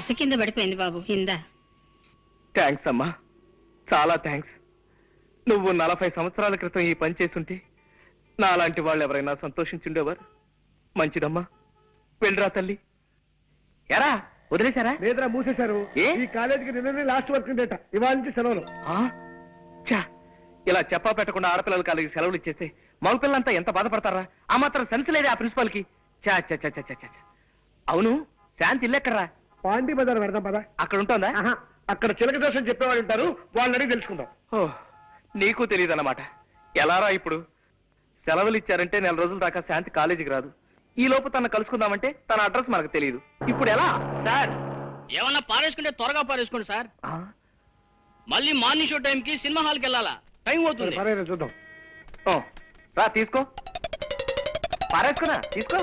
కింద పడిపోయింది బాబు కింద. థ్యాంక్స్ అమ్మా, చాలా థ్యాంక్స్. నువ్వు 40 సంవత్సరాల క్రితం ఈ పని చేసుంటే నాలాంటి వాళ్ళు ఎవరైనా సంతోషించుండేవారు. మంచిదమ్మా, వెళ్ళరా తల్లి. ఎరా వదిలేశారా? లేదరా, మూసేశారు. ఈ కాలేజీకి నిన్ననే లాస్ట్ వర్క్ డేట, ఇవాళ నుంచి సెలవులు. చా, ఇలా చెప్పా పెట్టకుండా ఆడపిల్లల కాలేజీకి సెలవులు ఇచ్చేస్తే మగపిల్లలంతా ఎంత బాధపడతారా? ఆ మాత్రం సెన్స్ లేదే ఆ ప్రిన్సిపాల్ కి. చా చా చా చా చా. అవును, శాంతి ఇల్లు ఎక్కడరా? పాండి బజార్ పెడదాం పదా. అక్కడ ఉంటుందా? అక్కడ చిలక దోషం చెప్పేవాళ్ళు ఉంటారు, వాళ్ళని అడిగి తెలుసుకుందాం. ఓ, నీకు తెలియదు అన్నమాట. ఎలారా ఇప్పుడు? సెలవులు ఇచ్చారంటే 4 రోజుల దాకా శాంతి కాలేజీకి రాదు. ఈ లోపు తన కలుసుకుందామంటే తన అడ్రస్ మనకు తెలియదు. ఇప్పుడు ఎలా సార్? ఏమన్నా పారేసుకుంటే త్వరగా పారేసుకోండి సార్. మళ్ళీ మార్నింగ్ షో టైంకి సినిమా హాల్కి వెళ్ళాలా, టైం అవుతుంది. చూద్దాం. రా తీసుకో, పారేసుకున్నా తీసుకో.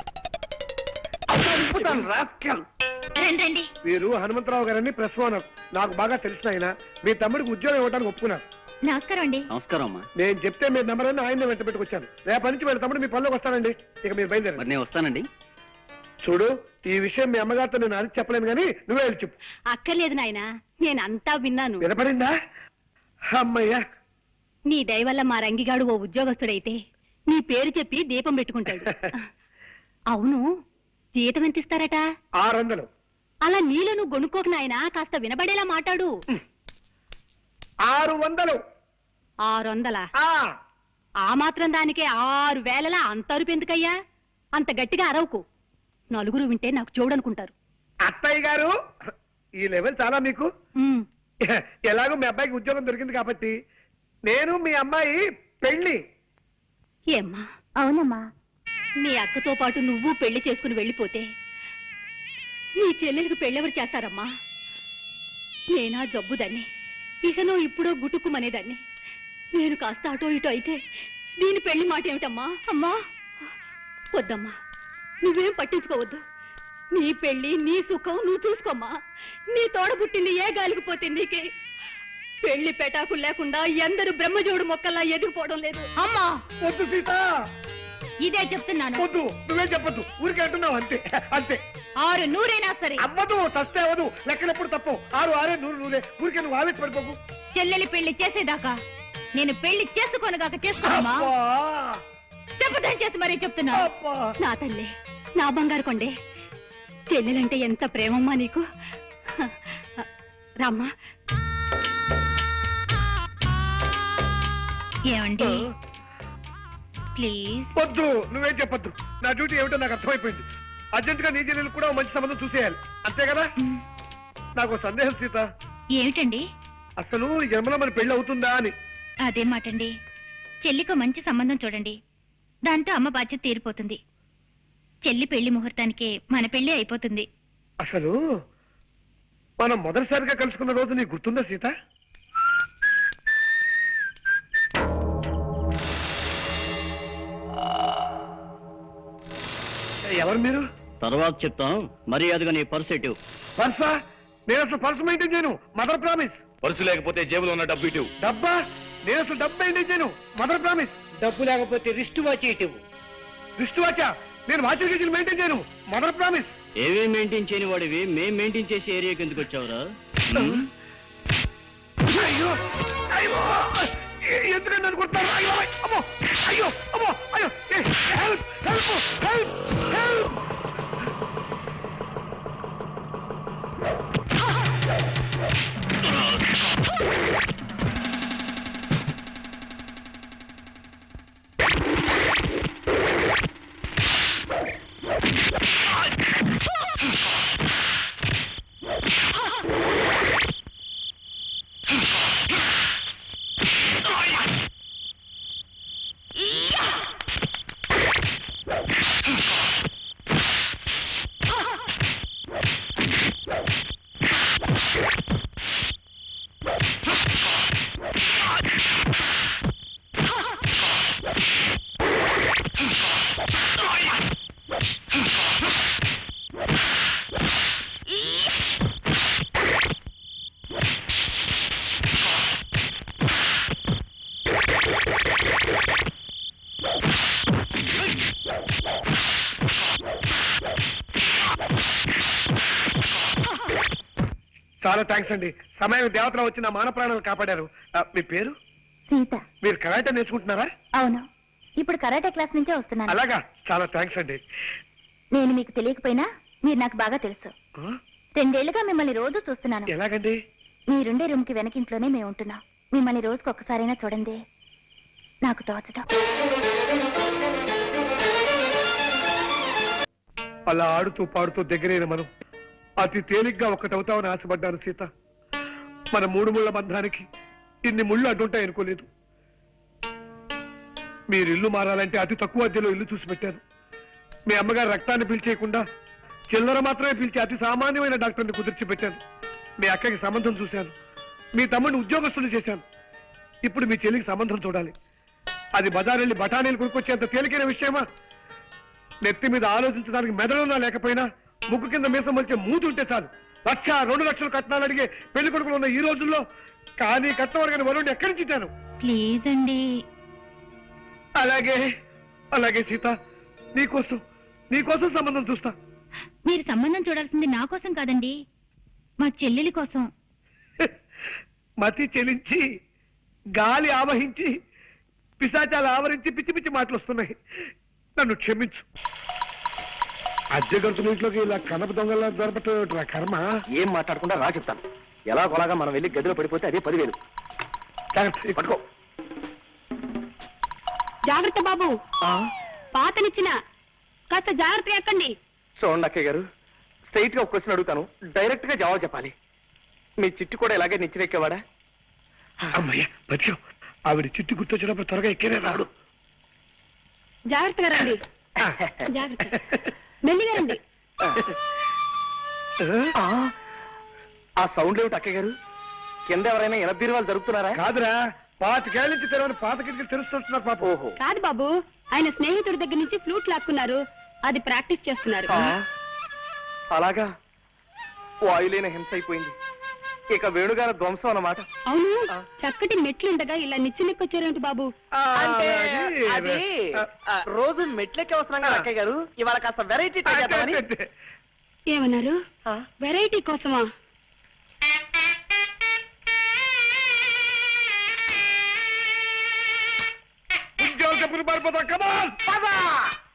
రండి. వీరు హనుమంతరావు గారని ప్రెస్ ఓనర్. నాకు బాగా తెలిసిన ఆయన. మీ తమ్ముడికి ఉద్యోగం ఇవ్వడానికి ఒప్పుకున్నారు. నమస్కారం అండి. నమస్కారం అమ్మా. నేను చెప్తే మీ నెంబర్ అని ఆయన వెంట పెట్టుకొచ్చాను. రేపటి నుంచి వీళ్ళ తమ్ముడు మీ పనిలోకి వస్తానండి. ఇక మీరు బయలుదేరండి. నేను వస్తానండి. చూడు, ఈ విషయం మీ అమ్మగారితో నేను అడిగి చెప్పలేను, కానీ నువ్వే వెళ్ళి చెప్పు. అక్కర్లేదు నాయనా, నేనంతా విన్నాను. వినపడిందా? అమ్మయ్యా, నీ దయ వల్ల మా రంగిగాడు ఓ ఉద్యోగస్తుడైతే నీ పేరు చెప్పి దీపం పెట్టుకుంటాడు. అవును, జీతం ఎంత ఇస్తారట? 600. అలా నీలో నువ్వు గొనుక్కోక నాయనా, కాస్త వినబడేలా మాట్లాడు. 600. 600? ఆ మాత్రం దానికే 6000 అంత అరుపు ఎందుకయ్యా? అంత గట్టిగా అరవకు, నలుగురు వింటే నాకు చూడనుకుంటారు. అత్తయ్య గారు, ఈ లెవెల్ చాలా మీకు. ఎలాగో మీ అబ్బాయికి ఉద్యోగం దొరికింది కాబట్టి నేను మీ అమ్మాయి పెళ్లి. ఏమ్మా? అవునమ్మా. నీ అక్కతో పాటు నువ్వు పెళ్లి చేసుకుని వెళ్ళిపోతే నీ చెల్లెలికి పెళ్ళెవరు చేస్తారమ్మా? నేనా జబ్బుదాన్ని, ఇకనో ఇప్పుడో గుటుక్కుమనేదాన్ని. నేను కాస్త అటో ఇటో అయితే దీని పెళ్లి మాట ఏమిటమ్మా? అమ్మా వద్దమ్మా, నువ్వేం పట్టించుకోవద్దు. నీ పెళ్లి నీ సుఖం నువ్వు చూసుకోమ్మా. నీ తోడ పుట్టింది ఏ గాలికి పోతే నీకే. పెళ్లి పెటాకులు లేకుండా ఎందరు బ్రహ్మజోడు మొక్కల్లా ఎదిగిపోవడం లేదు. అమ్మా వద్దు సీత, ఇదే చెప్తున్నాను. వద్దు, నువ్వే చెప్పొద్దు, ఊరికే అంటున్నావు అంతే. అంతే. 600 సరే. అవ్వదు, తస్తే అవ్వదు. లెక్కలెప్పుడు తప్పు. 6 6 100 ఊరికే నువ్వు ఆవేశ పడిపోకు. చెల్లెలి పెళ్లి చేసేదాకా నేను పెళ్లి చేసుకోనగాక చేసుకోమా? చెప్పదని చేసి మరీ చెప్తున్నా. నా తల్లి, నా బంగారు కొండే, చెల్లెలంటే ఎంత ప్రేమమ్మా నీకు. రామ్మా. ఏమండి ప్లీజ్? వద్దు, నువ్వేం చెప్పొద్దు. నా డ్యూటీ ఏమిటో నాకు అర్థమైపోయింది. అర్జెంట్ గా నీ చెల్లెలు కూడా మంచి సంబంధం చూసేయాలి, అంతే కదా? నాకు సందేహం సీత. ఏమిటండి? అసలు ఈ జన్మలో మన పెళ్లి అవుతుందా అని. అదే మాటండి. చెల్లికో మంచి సంబంధం చూడండి, దాంతో అమ్మ బాధ్యత తీరిపోతుంది. చెల్లి పెళ్లి ముహూర్తానికే మన పెళ్లి అయిపోతుంది. అసలు మనం మొదటిసారిగా కలుసుకున్న రోజు నీకు గుర్తుందా సీత? ఎవరు మీరు? తర్వాత చెప్తాం, మర్యాదగా నీ పర్స్ ఎటు. పర్సా? నేను అసలు పర్సు మెయింటైన్ చేయను. Mother promise. పర్సు లేకపోతే జేబులో ఉన్న డబ్బు ఇటు. డబ్బా? నేను అసలు డబ్బు మెయింటైన్ చేయను. Mother promise. డబ్బు లేకపోతే రిస్ట్ వాచ్ ఇటు. రిస్ట్ వాచా? నేను వాచర్ గేజీలు మెయింటైన్ చేయను. Mother promise. ఏవే మెయింటైన్ చేయని వాడివి మేం మెయింటైన్ చేసే ఏరియాకి ఎందుకు వచ్చావురా? అయ్యో అయ్యో, ఎందుకంటే నన్ను కొడతారు? అయ్యో అమ్మో, అయ్యో అమ్మో, అయ్యో, హెల్ప్ హెల్ప్ హెల్ప్ హెల్ప్. చాలా థ్యాంక్స్ అండి. సమయం దేవతలు వచ్చి నా మాన ప్రాణాలు కాపాడారు. మీ పేరు? సీత. మీరు కరాటే నేర్చుకుంటున్నారా? అవును, ఇప్పుడు కరాటే క్లాస్ నుంచే వస్తున్నాను. అలాగా, చాలా థ్యాంక్స్ అండి. నేను మీకు తెలియకపోయినా మీరు నాకు బాగా తెలుసు. 2 ఏళ్లుగా మిమ్మల్ని రోజు చూస్తున్నాను. ఎలాగండి? మీరుండే రూమ్ కి వెనకింట్లోనే మేము ఉంటున్నాం. మిమ్మల్ని రోజుకి ఒక్కసారైనా చూడండి, నాకు తోచదు. అలా ఆడుతూ పాడుతూ దగ్గరైన మనం అతి తేలిగ్గా ఒక్కటవుతామని ఆశపడ్డాను సీత. మన 3 ముళ్ళ బంధానికి ఇన్ని ముళ్ళు అడ్డుంటాయి అనుకోలేదు. మీరు ఇల్లు మారాలంటే అతి తక్కువ అద్దెలో ఇల్లు చూసి పెట్టాను. మీ అమ్మగారు రక్తాన్ని పీల్చేయకుండా చిల్లర మాత్రమే పీల్చి అతి సామాన్యమైన డాక్టర్ని కుదిర్చి పెట్టాను. మీ అక్కకి సంబంధం చూశాను. మీ తమ్ముడిని ఉద్యోగస్తులు చేశాను. ఇప్పుడు మీ చెల్లికి సంబంధం చూడాలి. అది బజారెళ్ళి బఠానీలు కొనుక్కొచ్చేంత తేలికైన విషయమా? నెత్తి మీద ఆలోచించడానికి మెదడున్నా లేకపోయినా ముక్కు కింద మీసం వచ్చే మూతి ఉంటే చాలు 1,00,000, 2 లక్షలు కట్నాలు అడిగే పెళ్లి కొడుకులు ఉన్న ఈ రోజుల్లో కానీ కట్టవరగని వరుణ్ణి ఎక్కడి నుంచి ఇచ్చాను? ప్లీజ్ అండి. అలాగే అలాగే సీత, నీకోసం సంబంధం చూస్తా. మీరు సంబంధం చూడాల్సింది నా కోసం కాదండి, మా చెల్లెలి కోసం. మతి చెలించి గాలి ఆవహించి పిశాచాలు ఆవరించి పిచ్చి పిచ్చి మాటలు వస్తున్నాయి. నన్ను క్షమించు. అద్దె గంతుల ఇంట్లోకి ఇలా కనప దొంగలా దొరకటం కర్మ. ఏం మాట్లాడకుండా రా చెప్తాను. ఎలా కొలాగా మనం వెళ్ళి గదిలో పడిపోతే అదే 10,000. పట్టుకో. జాగ్రత్త బాబు, పాతనిచ్చిన కాస్త జాగ్రత్త ఎక్కండి. చూడండి అక్కయ్య గారు, స్ట్రైట్ గా ఒక క్వశ్చన్ అడుగుతాను, డైరెక్ట్ గా జవాబు చెప్పాలి. మీ చిట్టు కూడా ఇలాగే నిచ్చిరెక్కేవాడా? అమ్మయ్య బతికావు. ఆవిడ చిట్టు గుర్తొచ్చినప్పుడు త్వరగా ఎక్కేనే రాడు. జాగ్రత్తగా రండి, జాగ్రత్త, మెల్లిగా రండి. ఆ సౌండ్ ఏమిటి అక్కయ్య గారు? కింద ఎవరైనా ఎనబీరువాలు జరుగుతున్నారా? కాదురా, 25 నుంచి తెరవని పాత కిటికీలు తెరుస్తున్నారు పాప. ఓహో, కాదు బాబు, ఆయన స్నేహితుడి దగ్గర నుంచి ఫ్లూట్ లాక్కున్నారు, అది ప్రాక్టీస్ చేస్తున్నారు. అలాగా? వాయులేని హింస అయిపోయింది. ఇక వేణుగారి ధ్వంసం అన్నమాట. అవును, చక్కటి మెట్లుండగా ఇలా నిచ్చెనెక్కొచ్చారేమిటి బాబు? అంటే అది, రోజు మెట్లెక్కి వస్తున్నాం కదా అక్కయ్య గారు, ఇవాళ కాస్త వెరైటీ ట్రై చేద్దామని. ఏమన్నారు? వెరైటీ కోసమా? ఉద్యోగ చెప్పులు పారిపోతాం. కమాన్.